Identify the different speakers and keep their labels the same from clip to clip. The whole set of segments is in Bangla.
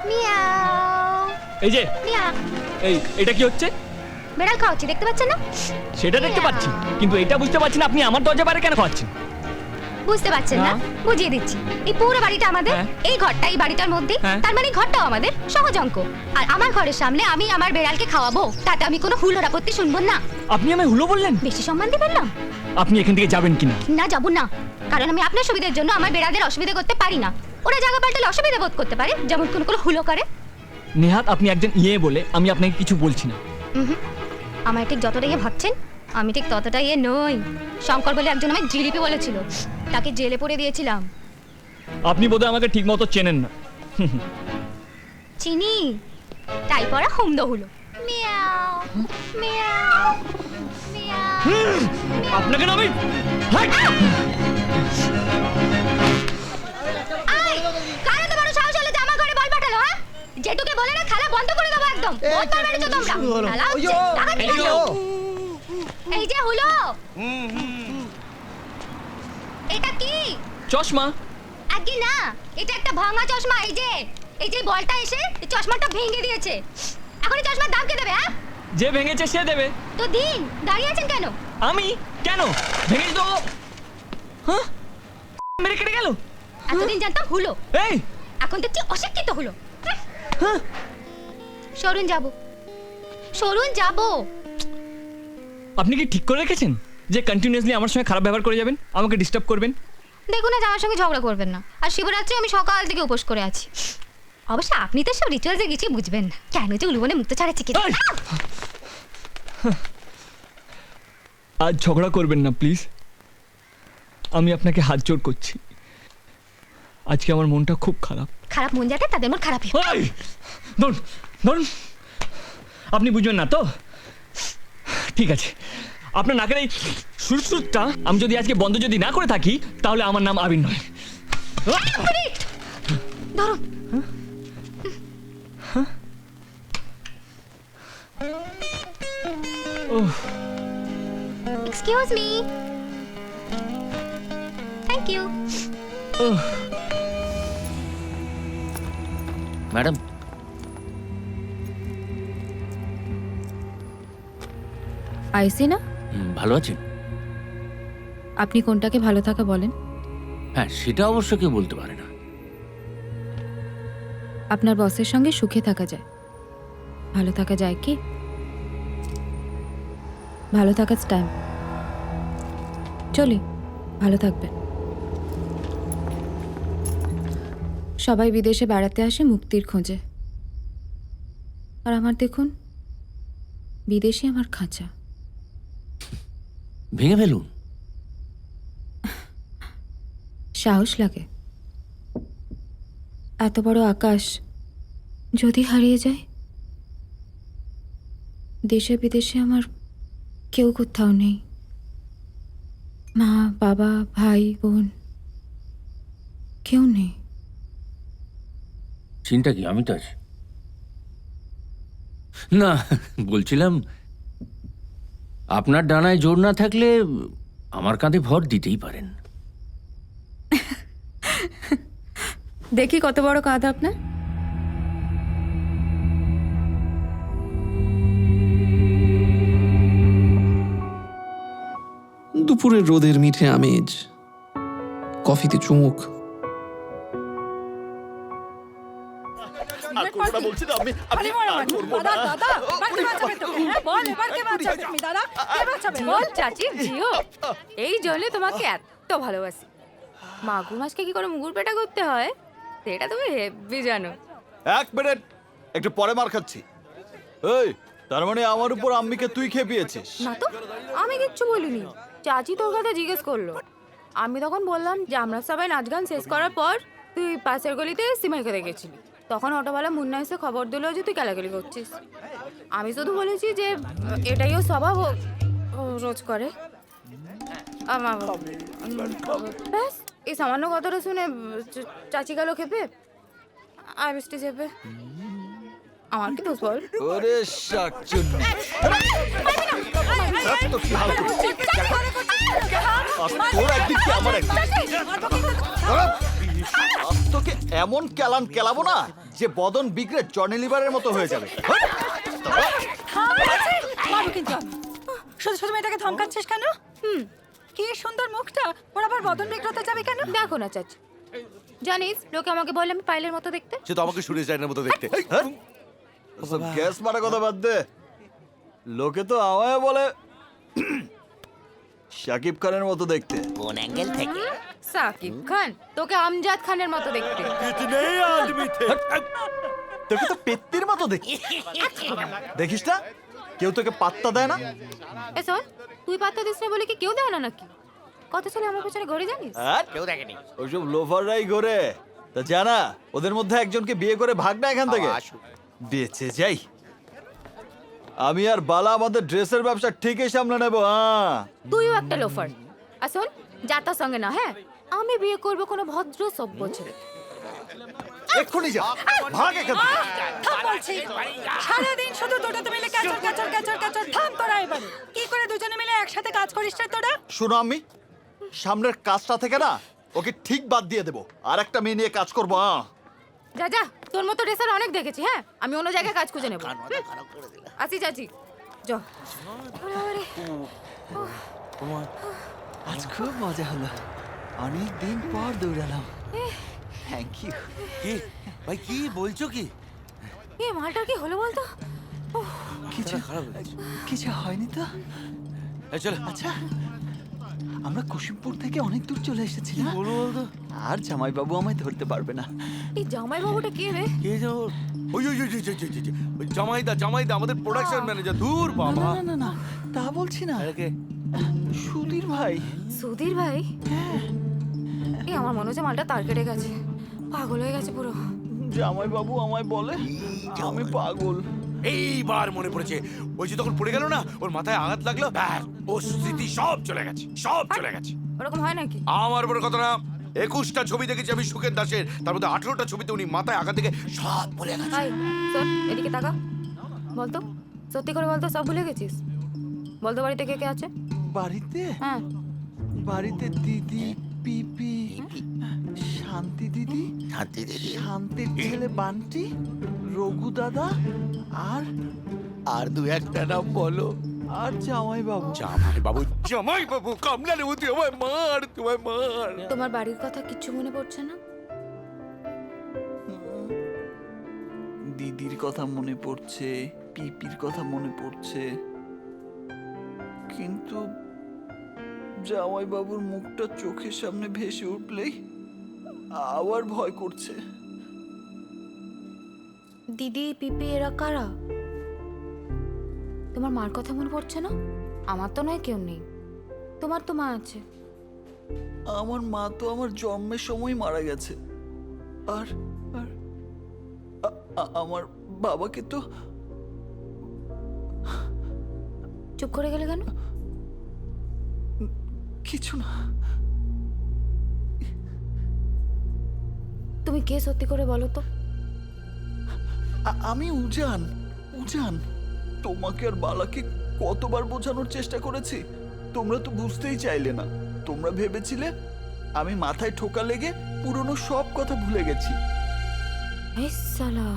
Speaker 1: মিয়াও।
Speaker 2: এই যে
Speaker 1: মিয়াও।
Speaker 2: এটা কি হচ্ছে?
Speaker 1: বেড়াল খাওয়াচ্ছি, দেখতে পাচ্ছেন না?
Speaker 2: সেটা দেখতে পাচ্ছি, কিন্তু এটা বুঝতে পারছি না আপনি আমার দরজা বাইরে কেন খাওয়াচ্ছেন?
Speaker 1: বুঝতে পারছেন না?
Speaker 2: না।
Speaker 1: বুঝিয়ে দিচ্ছি। এই পুরো বাড়িটা আমাদের,
Speaker 2: হ্যাঁ।
Speaker 1: এই ঘরটা এই বাড়িটার মধ্যে,
Speaker 2: হ্যাঁ।
Speaker 1: তার মানে ঘরটাও আমাদের, সহজ অঙ্ক। আর আমার ঘরের সামনে আমি আমার বেড়ালকে খাওয়াবো, তাতে আমি কোনো হুলোর আপত্তি শুনবো না।
Speaker 2: আপনি আমায় হুলো বললেন?
Speaker 1: বেশি সম্মান দিবেন না?
Speaker 2: আপনি এখান থেকে যাবেন কিনা?
Speaker 1: না, যাবো না, কারণ আমি আপনার সুবিধার জন্য আমার বেড়ালদের অসুবিধা করতে পারি না। ওরা জায়গা পাল্টালে অসুবিধা বোধ করতে পারে, যেমন কোনো হুলো করে।
Speaker 2: নেহাত আপনি একজন বলে আমি আপনাকে কিছু বলছি না।
Speaker 1: আমার ঠিক যতটা ভাবছেন আমি ঠিক ততটা নই। শঙ্কর বলে একজন আমায় জিলিপি বলেছিল, তাকে জেলে পড়ে দিয়েছিলাম।
Speaker 2: আপনি বোধহয় আমাকে ঠিক মতো চেনেন না।
Speaker 1: চিনি, তাই পড়া হুমদো হলো। মিয়াও মিয়াও মিয়াও।
Speaker 2: আপনাকে না আমি হাই!
Speaker 1: আয়, কার এত বড় সাহস হলো যে আমার ঘরে বল পাঠালো, হ্যাঁ? যেটুকে বলে না খেলা বন্ধ করে দেবো একদম। বহুত বার মেরেছো তোমরা। খেলা হচ্ছে, টাকা দিয়ে দাও। এই যে হলো। এটা কি?
Speaker 2: চশমা।
Speaker 1: আগে না, এটা একটা ভাঙা চশমা। এই যে বলটা এসে এই চশমাটা ভেঙে দিয়েছে। এখন এই চশমার দাম কে দেবে, হ্যাঁ?
Speaker 2: যে ভেঙেছে সে দেবে।
Speaker 1: তো দিন, দাঁড়িয়ে আছেন কেন?
Speaker 2: আমি কেন ভেঙে তো? হ্যাঁ, মেরে কেটে গেল।
Speaker 1: এতদিন জানতাম হলো,
Speaker 2: এই
Speaker 1: এখন দেখছি অশিক্ষিত হলো।
Speaker 2: হ্যাঁ,
Speaker 1: সরুন যাবো, সরুন যাবো।
Speaker 2: আপনি কি ঠিক করে রেখেছেন যে কন্টিনিউয়াসলি আমার সঙ্গে খারাপ ব্যবহার করে যাবেন, আমাকে ডিস্টার্ব করবেন?
Speaker 1: দেখুন না, আমার সঙ্গে ঝগড়া করবেন না। আর শিবরাত্রি আমি সকাল থেকে উপোস করে আছি। অবশ্য আপনি তো সব রিচুয়ালসে কিছুই বুঝবেন না, কেন যে উলুবনে মুক্ত ছাড়াচ্ছি কি।
Speaker 2: এই! আজ ঝগড়া করবেন না প্লিজ, আমি আপনাকে হাত জোড় করছি। আজকে আমার মনটা খুব খারাপ।
Speaker 1: খারাপ মন যাতে তাদের মন খারাপই।
Speaker 2: এই! ধরুন ধরুন, আপনি বুঝবেন না তো? ঠিক আছে, আপনার নাকের এই সুরসুরটা আমি যদি আজকে বন্ধ যদি না করে থাকি তাহলে আমার নাম আবির নয়।
Speaker 1: ধরুন। Excuse me. Thank you.
Speaker 3: Madam,
Speaker 4: I see না?
Speaker 3: ভালো আছেন?
Speaker 4: আপনি কোনটাকে ভালো থাকা বলেন?
Speaker 3: হ্যাঁ, সেটা অবশ্য কেউ বলতে পারে না।
Speaker 4: আপনার বসের সঙ্গে সুখে থাকা যায়, ভালো থাকা যায় কি? ভালো থাকার টাইম। চলি, ভালো থাকবেন। সবাই বিদেশে বেড়াতে আসে মুক্তির খোঁজে, আর আমার দেখুন বিদেশে আমার খাঁচা।
Speaker 3: ভেঙে ফেলুন।
Speaker 4: সাহস লাগে। এত বড় আকাশ যদি হারিয়ে যায়, দেশে বিদেশে আমার কেউ কোথাও নেই। মা বাবা ভাই বোন কেউ নেই।
Speaker 3: চিন্তা কি, আমি তো আছি। না, বলছিলাম আপনার ডানায় জোর না থাকলে আমার কাঁধে ভর দিতেই পারেন।
Speaker 4: দেখি কত বড় কাঁধ আপনার।
Speaker 5: দুপুরের রোদের মিঠে আমেজ, কফিতে চুমুক।
Speaker 6: এই জন্য তোমাকে এত ভালোবাসি। মাগুর মাছকে কি করে মুগুর পেটা করতে হয় সেটা তুমি হেব্বি জানো।
Speaker 7: এক মিনিট, একটু পরে মার খাচ্ছি। এই, তার মানে আমার উপর আম্মিকে তুই খেপিয়েছিস?
Speaker 6: না তো, আমি কিচ্ছু বলিনি। চাচি তোর কথা জিজ্ঞেস করলো, আমি তখন বললাম যে আমরা সবাই নাচ গান শেষ করার পর তুই পাশের গলিতে সিমাইকে দেখেছিলি। তখন অটোওয়ালা মুন্না এসে খবর দিল যে তুই কেলাকেলি করছিস। আমি শুধু বলেছি যে এটাই ও স্বভাব, ও রোজ করে। ব্যাস, এই সামান্য কথাটা শুনে চাচি গেল খেপে, আর মিষ্টি চেপে। আমার কি দোষ বল?
Speaker 7: ওরে শাকচুন্নি, তো কি হাল করছিস? তোর একদিন কি আমার একদিন। তোকে এমন কেলান কেলাবো না যে বদন বিগড়ে জনি লিভারের মতো হয়ে যাবে।
Speaker 8: মারো কিন্তু আমি। শুধু শুধু মেয়েটাকে ধমকাচ্ছিস কেন? কি সুন্দর মুখটা, ওর আবার বদন বিগ্রতে যাবে কেন?
Speaker 6: দেখো না চাচি, জানিস লোকে আমাকে বলে আমি পাইলের মতো দেখতে।
Speaker 9: সে তো আমাকে সুরেশ রায়নের মতো দেখতে।
Speaker 7: ওসব গ্যাস মারা কথা বাদ দে। লোকে তো আমায় বলে শাকিব খানের মতো দেখতে।
Speaker 9: কোন অ্যাঙ্গেল থেকে?
Speaker 6: সাকিব খান তোকে আমজাদ খানের মতো দেখতে।
Speaker 9: কিতনে আদমি থে।
Speaker 7: তোকে তো পেত্তির মতো দেখতে। দেখিস না কেউ তোকে পাত্তা দেয় না।
Speaker 6: এ শোন, তুই পাত্তা দিস না বলে কি কেউ দেয় না নাকি? কত ছেলে আমার পেছনে ঘুরে জানিস?
Speaker 7: আর
Speaker 9: কেউ দেখেনি।
Speaker 7: ওইসব লোফাররাই ঘোরে। তা জানা ওদের মধ্যে একজনকে বিয়ে করে ভাগ না এখান থেকে। বেঁচে যাই। আমি আর বালা আমাদের ড্রেসের ব্যবসা ঠিকই সামলে নেবো। হ্যাঁ
Speaker 6: তুইও একটা লোফার। আর শোন, যাতার সঙ্গে না, হ্যাঁ আমি বিয়ে করবো কোনো ভদ্র সভ্য ছেলে।
Speaker 7: এক্ষুনি যা, ভাগ এখান থেকে।
Speaker 8: থাম বলছি। সারাদিন শুধু দুটোতে মিলে ক্যাচর ক্যাচর ক্যাচর ক্যাচর। থাম তোরা এবারে। কি করে দুজনে মিলে একসাথে কাজ করিস রে তোরা?
Speaker 7: শোনো আমি সামনের কাজটা থেকে না ওকে ঠিক বাদ দিয়ে দেবো, আর একটা মেয়ে নিয়ে কাজ করবো।
Speaker 6: যা যা, তোর মতো রেসার অনেক দেখেছি। হ্যাঁ আমি অন্য জায়গায় কাজ খুঁজে নেবো। আসি চাচি, চ।
Speaker 7: আজ খুব মজা হলো, অনেক দিন পর দৌড়ালাম। Thank you.
Speaker 9: কি ভাই কি বলছো কি?
Speaker 6: এ মালটার কি হলো বলতো?
Speaker 7: কিছু কিছু হয়নি তো।
Speaker 9: এই চল।
Speaker 7: আচ্ছা আমরা কুসুমপুর থেকে অনেক দূর চলে এসেছি না?
Speaker 9: বলো বলো।
Speaker 7: আর জামাইবাবু আমায় ধরতে পারবে না।
Speaker 6: এই জামাই বাবুটা কে রে?
Speaker 9: কে যাও? ওই ওই ওই ওই জামাইদা আমাদের প্রোডাকশন ম্যানেজার। দূর বাবা।
Speaker 7: না না না তা বলছি না,
Speaker 9: আরে কে?
Speaker 7: সুধীর ভাই।
Speaker 6: সুধীর ভাই? এই আমার মনে হচ্ছে মালটা তার কেটে গেছে, পাগল হয়ে গেছে পুরো।
Speaker 7: জামাইবাবু আমায় বলে আমি পাগল।
Speaker 9: এইবার মনে পড়েছে, ওই যে তখন পড়ে গেল না, ওর মাথায় আঘাত লাগলো, ব্যাস ও স্মৃতি সব চলে গেছে, সব চলে গেছে।
Speaker 6: ওরকম হয় নাকি?
Speaker 9: আমার বড় কথা না, 21টা ছবি দেখেছি আমি সুখের দাসের, তার মধ্যে 18টা ছবিতে উনি মাথায় আঘাত থেকে সব ভুলে গেছে।
Speaker 6: হাই শোন, এদিকে তাকা, বলতো সত্যি করে বলতো সব ভুলে গেছিস? বলতো বাড়িতে কে কে আছে?
Speaker 7: বাড়িতে
Speaker 6: হ্যাঁ
Speaker 7: বাড়িতে দিদি, পিপি, শান্তি দিদি, শান্তির ছেলে বান্টি, রঘু দাদা,
Speaker 9: আর দু একটা নাম বলো।
Speaker 7: আর জামাইবাবু।
Speaker 9: জামাইবাবু কামলা নেবো, তুই আমায় মার, তোমায় মার।
Speaker 6: তোমার বাড়ির কথা কিচ্ছু মনে পড়ছে না?
Speaker 7: দিদির কথা মনে পড়ছে, পিপির কথা মনে পড়ছে, কিন্তু জামাইবাবুর মুখটা চোখের সামনে ভেসে উঠলেই আবার ভয় করছে।
Speaker 6: দিদি পিপি এরা কারা? তোমার মার কথা মনে পড়ছে না? আমার তো নয়, কেউ নেই। তোমার তো মা আছে।
Speaker 7: আমার মা তো আমার জন্মের সময় মারা গেছে। আর আর আমার বাবাকে তো।
Speaker 6: চুপ করে গেলে কেন?
Speaker 7: কিছু না।
Speaker 6: তুমি কে সত্যি করে বলো তো?
Speaker 7: আমি উজান। তোমাকে আর বালাকে কতবার বোঝানোর চেষ্টা করেছি, তোমরা তো বুঝতেই চাইলে না। তোমরা ভেবেছিলে আমি মাথায় ঠোকা লেগে পুরনো সব কথা ভুলে গেছি।
Speaker 6: এই শালা,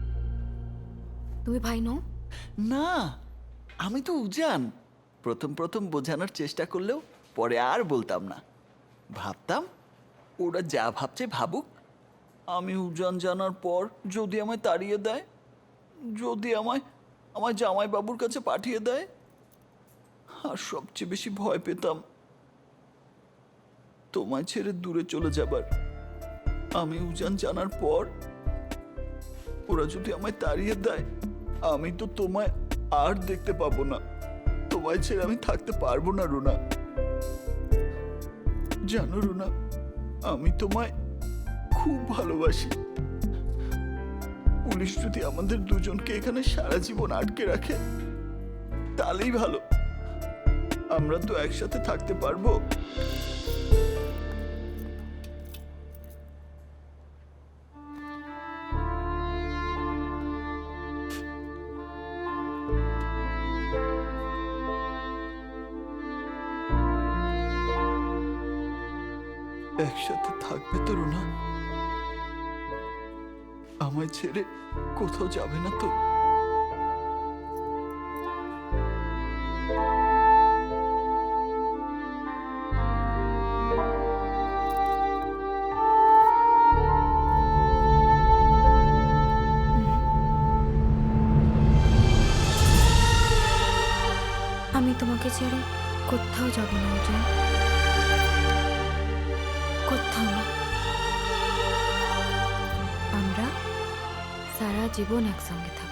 Speaker 6: তুমি ভাই নও?
Speaker 7: না, আমি তো উজান। প্রথম বোঝানোর চেষ্টা করলেও পরে আর বলতাম না। ভাবতাম ওরা যা ভাবছে ভাবুক। আমি উজান জানার পর যদি আমায় তাড়িয়ে দেয়, যদি আমায় জামাইবাবুর কাছে পাঠিয়ে দেয়, আর সবচেয়ে বেশি ভয় পেতাম তোমায় ছেড়ে দূরে চলে যাবার। আমি উজান জানার পর ওরা যদি আমায় তাড়িয়ে দেয়, আমি তো তোমায় আর দেখতে পাবো না। তোমায় ছেড়ে আমি থাকতে পারবো না রুনা। জানো রুনা, আমি তোমায় খুব ভালোবাসি। পুলিশ যদি আমাদের দুজনকে এখানে সারা জীবন আটকে রাখে তাহলেই ভালো। আমরা তো একসাথে থাকতে পারবো। একসাথে থাকবে তো রুনা? আমায় ছেড়ে কোথাও যাবে না তো?
Speaker 6: আমি তোমাকে ছেড়ে কোথাও যাব না উজান, কোথাও না। আমরা সারা জীবন একসঙ্গে থাকবো।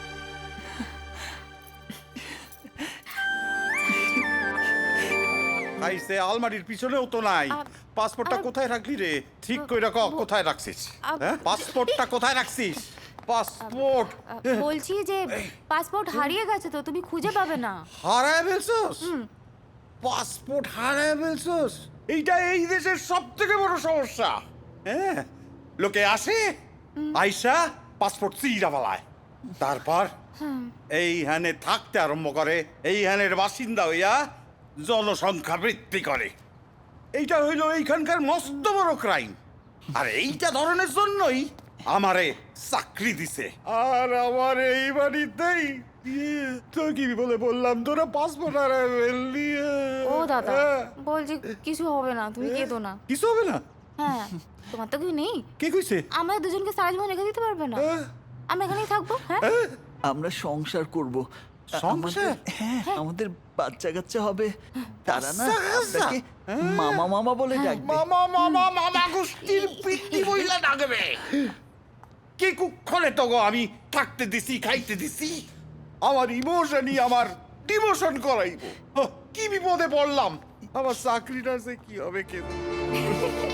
Speaker 10: ভাই সে আলমারির পিছনেও তো নাই। পাসপোর্টটা কোথায় রাখলি রে? ঠিক কইরা ক, কোথায় রাখছিস? হ্যাঁ, পাসপোর্টটা কোথায় রাখছিস? পাসপোর্ট
Speaker 6: বলছি যে পাসপোর্ট হারিয়ে গেছে তো, তুমি খুঁজে পাবে না।
Speaker 10: হারায় ফেলছস? পাসপোর্ট হারায় ফেলছস? এইটা এই দেশের সবথেকে বড় সমস্যা। হ্যাঁ, লোকে আসে আইসা পাসপোর্ট চিরা বালায়, তারপর এইখানে থাকতে আরম্ভ করে, এইখানের বাসিন্দা হইয়া জনসংখ্যা বৃদ্ধি করে। এইটা হইল এইখানকার মস্ত বড় ক্রাইম। আর এইটা ধরনের জন্যই আমারে চাকরি দিছে। আর আমার এই বাড়িতেই তো কি বলে বললাম, তোরা পাসপোর্ট আর
Speaker 6: ও দাদা, বলছি কিছু হবে না, তুমি কেঁদো না।
Speaker 10: কিছু হবে না?
Speaker 6: হ্যাঁ, তোমার তো কেউ নেই।
Speaker 10: কে কইছে?
Speaker 6: আমরা দুজনকে সারা জীবন রেখে দিতে পারবে না। আমরা এখানেই থাকবো। হ্যাঁ,
Speaker 7: আমরা সংসার করব।
Speaker 10: সংসার?
Speaker 7: হ্যাঁ, আমাদের বাচ্চা কাচ্চা হবে। তারা না আপনাকে মামা মামা বলে ডাকবে।
Speaker 10: মামা মামা মামা গোষ্ঠীর পিটি বইলা ডাকবে। কি কুক্ষণে তো গো আমি থাকতে দিছি, খাইতে দিছি। আমার ইমোশনই আমার ডিমোশন করাইবো। কি বিপদে পড়লাম। আমার চাকরিটা যে কি হবে কে জানে।